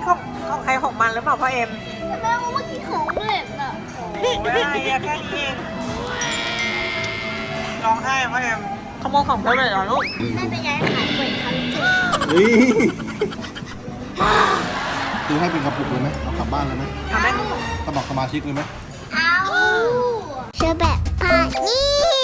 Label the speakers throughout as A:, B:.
A: ของใครของมันหรือเปล่าพ่อเอ็ม
B: แต่แม่ว่าเมื่อกี้ของเล็กอะ
A: โอ้ยอะไรอะแค่นี้เองร้องไห้พ่อเอ็มขโมยของเธอเลยเหรอลูก
B: ไม่เป็นไรขายบ่อยครั้งสุด
C: เฮ้ยซื้อให้เป็นกระปุกเลยไหมเอากลับบ้านเลยไหม
A: ทำได้
C: สมัครสมาชิกเลยไหม
B: เอาเชื่อแบบพาเนี่ย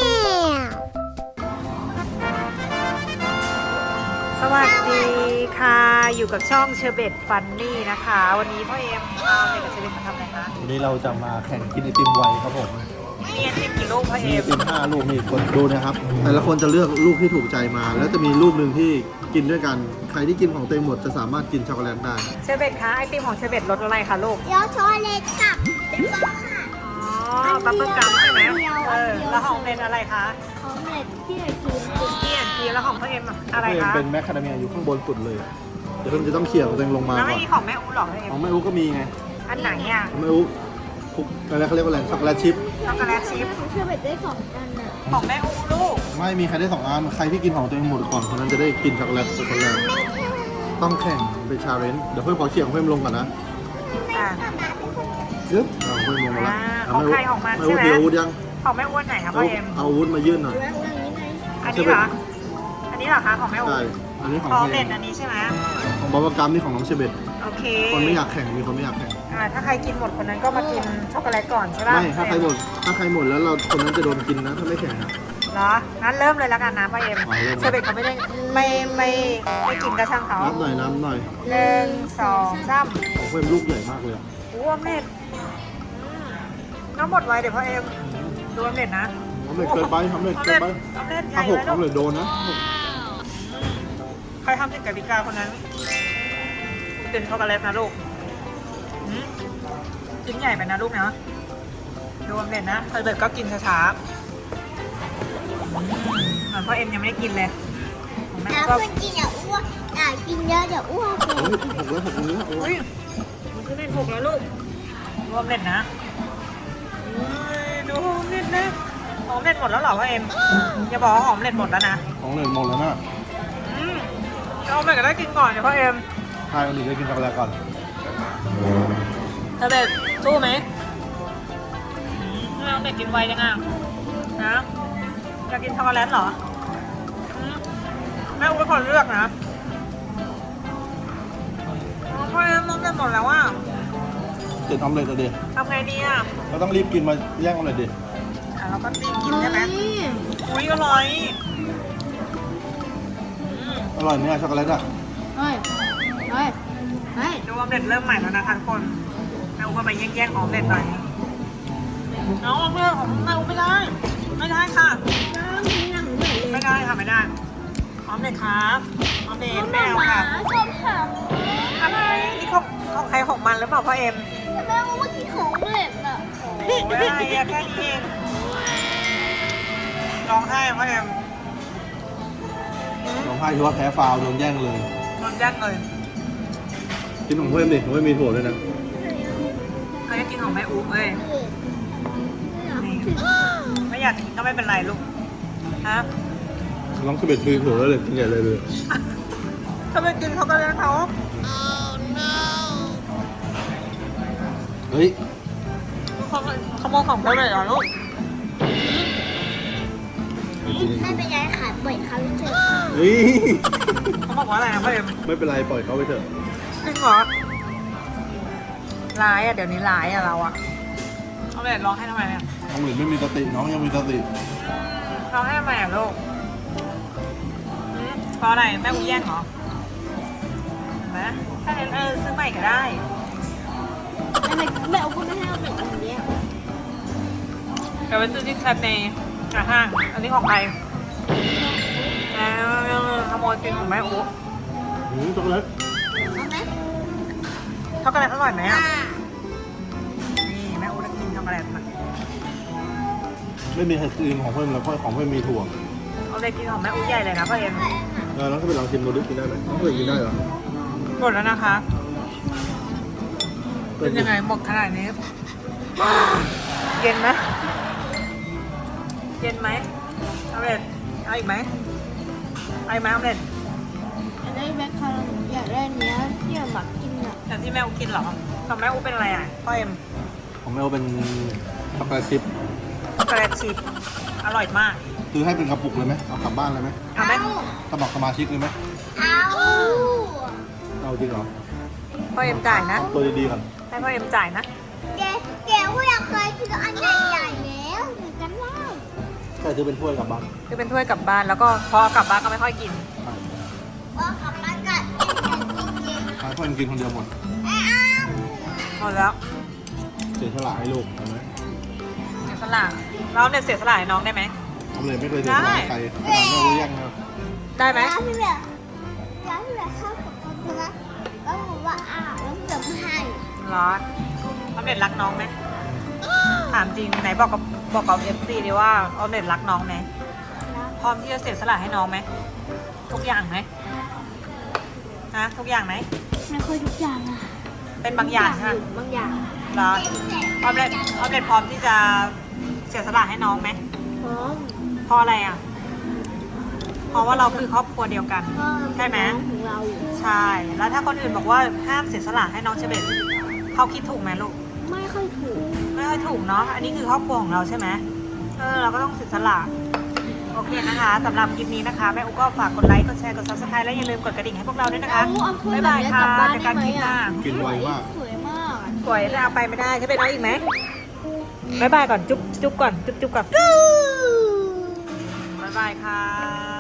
A: สวัสดีค่ะ อยู่กับช่องเชอร์เบตฟันนี่นะคะ วันนี้พ่อเอ็มเอาเด็กกับเชอร์เบตมาทำอะไรคะ
C: วันนี้เราจะมาแข่งกินไอติมไวครับผม
A: มีไอติมกี่ลูกพ่อ
C: มี
A: เอ็
C: ไอ
A: ม
C: ติม5 ลูกมีคนดูนะครับ แต่ละคนจะเลือกลูกที่ถูกใจมา แล้วจะมีลูกหนึ่งที่กินด้วยกัน ใครที่กินของตัวเองหมดจะสามารถกินช็อกโกแลตได้
A: เชอร์เบตคะไอติมของเชอร์เบตรสอะไรคะลูก
B: เดี๋ยวช็อกโกแลตกับเป็นบ้าค่ะ
A: อ๋อบับเบิ้ลกัมใช่ไหมแล้วของเอ็มอะไรคะ
B: ของเล็กที่ไหนกิน
A: คุกกี้แอนด์ครีมแล้วของพ่อเอ็มอะไร
C: เพิ่ม
A: คะ
C: เป็นแมคคาเดเมียอยู่ข้างบนสุดเลย เดี๋ยวเพิ่มจะต้องเขี่ยของตัวเองลงมา
A: แล้ว
C: ก่
A: ไม่
C: อน
A: มีของแม่อู๋หรอพ่อเอ็ม
C: ของแม่อุ๊ก็มีไง
A: อันไหนอ่ะ
C: ของแม่อุ๊คุกอะไรเขาเรียกว่าอะไรช็อกโกแลตชิพ
A: ช็อกโกแลตชิพ
B: เชื่อแบบได้2 อันอะ
A: ของแม่อู๋ลูก
C: ไม่มีใครได้2 อัน ใครที่กินของตัวเองหมดก่อนคนนั้นจะได้กินช็อกโกแลตเป็นคนแรกต้องแข่งเป็นชาเลนจ์เดี๋ยวเพิ่มขอเขี่ยของเพิ่มลงก่อนนะ
A: อ่า
C: ยึบเอาเพิ่มลงมาละ
A: ของใครของมันใช่ไหม
C: แม่อุ๊ถืออาวุธยัง
A: ของแม่อู๋อันไหนคะพ่อเอ็ม
C: เอาอาวุธมายื่นหน่อย
B: แล้วอย่างนี้ไง
A: อันนี้เหรอ อันนี้เหรอคะของแม่อู๋
C: ใช่ อันนี้ของ
A: ของ
C: ใคร
A: เด็ดอันนี้ใช่ไหม
C: ของบับเบิ้ลกัมนี่ของน้องเชเบต
A: โอเค
C: คนไม่อยากแข่งมีคนไม่อยากแข่ง
A: ถ้าใครกินหมดคนนั้นก็มากินช็อกโกแลตก่อนใช่ป่ะ
C: ไม่ถ้าใครหมดแล้วเราคนนั้นจะโดนกินนะถ้าไม่แข่งนะ
A: เหรองั้นเริ่มเลยแล้วกันนะพ่อเอ็ม
C: เริ่ม
A: เชอร์เบตเขาไม่ได้ไม่กินกระช่างเขา
C: น้ำหน่อย
A: 1 2 3
C: ของเพิ่มลูกใหญ่มากเลยอะ
A: รวมเน็ตน้ำหมดไวเดี๋ยวพ่อเอ็มรวมเน็ตนะ
C: ทำเร็จเกินไปทำเร็จเกินไป
A: น้ำเน็ตให
C: ถ้า
A: ญ่
C: หก
A: เลยลู
C: ทำเร็
A: ก
C: จโดนนะ
A: ใครทำผิดกติกาคนนั้นเป็นช็อกโกแลตนะลูกชิ้นใหญ่ไปนะลูกนะรวมเน็ตนะเชอร์เบตก็กินช้าๆเหมือนพ่อเอ็มยังไม่ได้กินเลยของแม่
B: แล้ว
A: ก็
B: คนกินอย่าอ้วนอย่ากินเยอะเดี๋ยวอ้วน
C: เฮ้ยหกแล้วโอ้
A: อุ้
C: ย
A: ยมันขึ้นเป็น6แล้วลูกรวมเน็ตนะดูเน็ตนะหอมเน็ตหมดแล้วเหรอพ่อเอ็มอย่าบอกว่าหอมเน็ตหมดแล้วนะ
C: ของเล่นหมดแล้วนะ
A: เอาไปก็ได้กินก่อนเดี๋ยวพ่อเอ็ม
C: ใครคนอื่นได้กินช็อกโกแลตก่อน
A: เธอเบ็ดสู้ไหมไม่เอาเบ็ดกินไวจังอ่ะนะอยากกินช็อกโกแลตเหรอแม่อุ้ยเป็นคนเลือกนะพ่อเอ็มน้องเบ็ดหมดแล้วว่า
C: เจ็ดออมเล็ตอะดิ
A: ทำไงดีอ่ะ
C: เราต้องรีบกินมาแย่งออมเล็ตดิ
A: เราก็รีบกินใช่ไหมอุ้ยอร่อย
C: อร่อยไหมอะช็อกโกแลตอะ
B: เฮ้ยเฮ้ยเฮ้ย
A: ดูออมเล็ตเริ่มใหม่แล้วนะคะทุกคนแม่อุ้ยก็ไปแย่งๆออมเล็ตหน่อยน้องเพื่อนของแม่อุ้ยไม่ได้ไม่ได้ค่ะ
B: น้ำกินหนังเหมือนเลย
A: ไม่ได้ค่ะไม่ได้ออมเล็ตครับออมเล็ตไม่เอาค่ะ
B: ชอบค่ะ
A: อะไรนี่ของใครของมันหรือเปล่าพ่อเอ็ม
B: แต่แม่ว่าเมื่อกี้ของเล็กอะ
A: โอ้ยอะไรอะแค่นี้เองร้องไห้พ่อเอ็ม
C: น้องไพ่ที่ว่าแพ้ฟาวล์โดนแย่งเลย
A: โดนยัดเลย
C: กินของเพิ่มดิของเพิ่มมีถั่วด้วยนะ
A: เขาจะกินของแม่อุ๊บเอ้ยนี่ไม่อยากกินก็ไม่เป็นไรลูกฮะ
C: น้องเชเบตคือถั่วแล้วเลยกินใหญ่เลย
A: เขาไปกินเขาก็เลยเขา
C: เฮ้ย
A: ขโมยของเขาเลยเหรอลูก
B: ไม่เป็นไรขายบ่อยครั้งสุด
C: เฮ้ย
A: เขาบอกว่าอะไรนะพ่อเอ็ม
C: ไม่เป็นไรปล่อยเขาไปเถอะ
A: จริงเหรอร้ายอะเดี๋ยวนี้ร้ายอะเราอะเอาไปร้องให้ทำไมเนี่ย
C: น้องหลินไม่มีสติน้องยังมีสติ
A: ร้องให้ทำไมอะลูกเพราะอะไรแม่อุ้ยแย่งเหรอเห็นไหมถ้าเอ็นซื้อใหม่ก็ได้
B: ทำไมแม่เอาคนไม่ให้เอาเด็กอันเนี้ย
A: เดี๋ยวไปซื้อที่แคปในห้าง อันนี้ของใครขโมยกินของแม่อุ๊
C: ช็อกโกแลต
B: เอาไหม
A: ช็อกโกแลตอร่อยไหมอ่ะ นี่แม่อุ๊จะกินช็อกโกแลตมา
C: ไม่มีไอศครีมของเพิ่มแล้วเพราะของเพิ่มมีถั่ว
A: เอาเลยกินของแม่อุ๊ใหญ่เลยนะพ่อเอ็ม
C: น้องก็ไปลองชิมดูดิกินได้ไหมน้องเคยกินได้เหรอ
A: หมดแล้วนะคะ เป็นยังไงหมดขนาดนี้ เย็นไหมเย็นไหมเอาเลยเอาอีกไหมเอาอีกไหมเอาเลย
B: อยากได้แบคคาร์อยากได้เนี้ยที่หมักกินอ่ะ
A: แต่ที่ที่แม่อูกินเหรอของแม่อูเป็นอะไรอ่ะพ่อเอ็ม
C: ของแมวเป็นช็อกโกแลตชิพ
A: ช็อกโกแลตชิพอร่อยมาก
C: ซื้อให้เป็นกระปุกเลยไหมเอากลับบ้านเลยไหม
A: เอาไหม
C: สมัครสมาชิกเลยไหม
B: เอา
C: เอาจริงเหรอ
A: พ่อเอ็มจ่ายนะ
C: เอาตัวดีๆก่อน
A: ให้พ่อเอ็มจ่ายนะ
B: เดี๋ยวอยากเคยกินอันใหญ่ๆแล้วเหมือนกันแล้ว
C: ใช่ซื้อเป็นถ้วยกลับบ้าน
A: คือเป็นถ้วยกลับบ้านแล้วก็พอกลับบ้านก็ไม่ค่อยกิน
B: ว่ากลับบ้านกันจริง
C: ให้เพื่อนกินคนเดียวหมด
B: ๆอ้าว
A: หมดแล้ว
C: เสียสละให้ลูกเห็นไหม
A: เสียสละเราเนี่ยเสียสละให้น้องได้ไหม
C: ทำเลยไม่เคยเสียสละให้ใครขนาดแม่รู้ยังนะ
A: ได้ไหม
B: แล้วพี่เหลือเข้ากับคนใช่ไหมแล้วผมว่าแล้วพี่เหลือไม่ให้
A: เหรอออมเล็ตรักน้องไหมถามจริงไหนบอกกับเอฟซีดีว่าออมเล็ตรักน้องไหมพร้อมที่จะเสียสละให้น้องไหมทุกอย่างไหมฮะทุกอย่างไหม
B: ไม่ค่อยทุกอย่างอะ
A: เป็นบางอย่างใช่ไหม
B: บางอย่าง
A: เหรอออมเล็ตพร้อมที่จะเสียสละให้น้องไหม
B: พร้อม
A: เพราะอะไรอ่ะเพราะว่าเราคือครอบครัวเดียวกัน ใช่ไหม
B: ของเรา
A: ใช่ แล้วถ้าคนอื่นบอกว่าห้ามเสียสละให้น้องเชเบตเขาคิดถูกไหมลูก
B: ไม่ค่อยถูก
A: ไม่ค่อยถูกเนาะ อันนี้คือครอบครัวของเราใช่ไหมเราก็ต้องเสียสละ โอเคนะคะสำหรับคลิปนี้นะคะแม่อุ๊ก็ฝากกดไลค์ กดแชร์ กด subscribe และอย่าลืมกดกระดิ่งให้พวกเราด้วยนะคะ
B: เอาถ้วย
A: บ๊าย
B: แบบ
A: บาย
B: นี้
A: ค่ะ
B: กลับบ้าน
A: เจอ
B: ได้
A: กัน
B: ไหม
A: คลิปหน้า
C: กินไวมาก
B: สวยมากอะ
A: สวยจะเอาไปไม่ได้จะไปน้องอีกไหมบ๊ายบายก่อน จุ๊บก่อน จุ๊บก่อน บ๊ายบายค่ะ